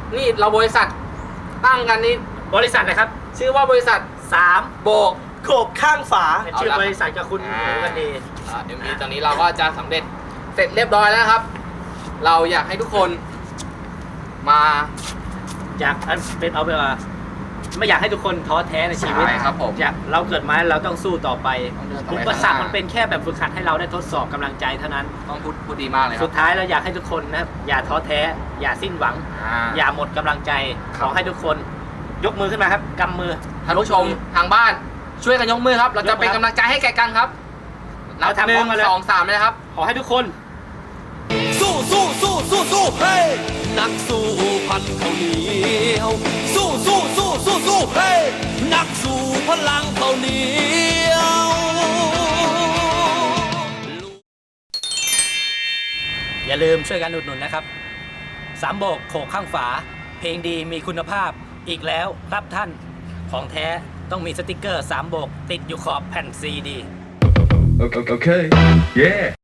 นี่เราบริษัทตั้งกันนี่บริษัทนะครับชื่อว่าบริษัท 3 โบกโขกข้างฝาเป็นชื่อบริษัทกับคุณหูกันดี MV ตอนนี้เราก็จะสำเร็จเสร็จเรียบร้อยแล้วนะครับ เราอยากให้ทุกคนมาอยากเป็นเอาไปว่าไม่อยากให้ทุกคนท้อแท้ในชีวิตใช่ครับผมอยากเราเกิดมาเราต้องสู้ต่อไปต้องเดินต่อไปอุปสรรคมันเป็นแค่แบบฝึกหัดให้เราได้ทดสอบกำลังใจเท่านั้นต้องพูดดีมากเลยคสุรับดท้ายเราอยากให้ทุกคนนะอย่าท้อแท้ อย่าสิ้นหวัง อย่าหมดกำลังใจขอให้ทุกคนยกมือขึ้นมาครับกำมือท่านผู้ชมทางบ้านช่วยกันยกมือครับ เราจะเป็นกำลังใจให้แก่กันครับนับเราทำหพร้นึ่อมงกันเลยสองสามเลยนะครับขอให้ทุกคนสู้สู้สู้สู้สู้เฮ้ยนักสู้พันข้าวเหนียวสู้สู้สู้สู้สู้เฮ้ยนักสู้พลังข้าวเหนียวอย่าลืมช่วยกันอุดหนุนนะครับ3โบกโขกข้างฝา เพลงดีมีคุณภาพอีกแล้วครับท่านของแท้ต้องมีสติกเกอร์3โบกติดอยู่ขอบแผ่นซีดี Okay. Yeah.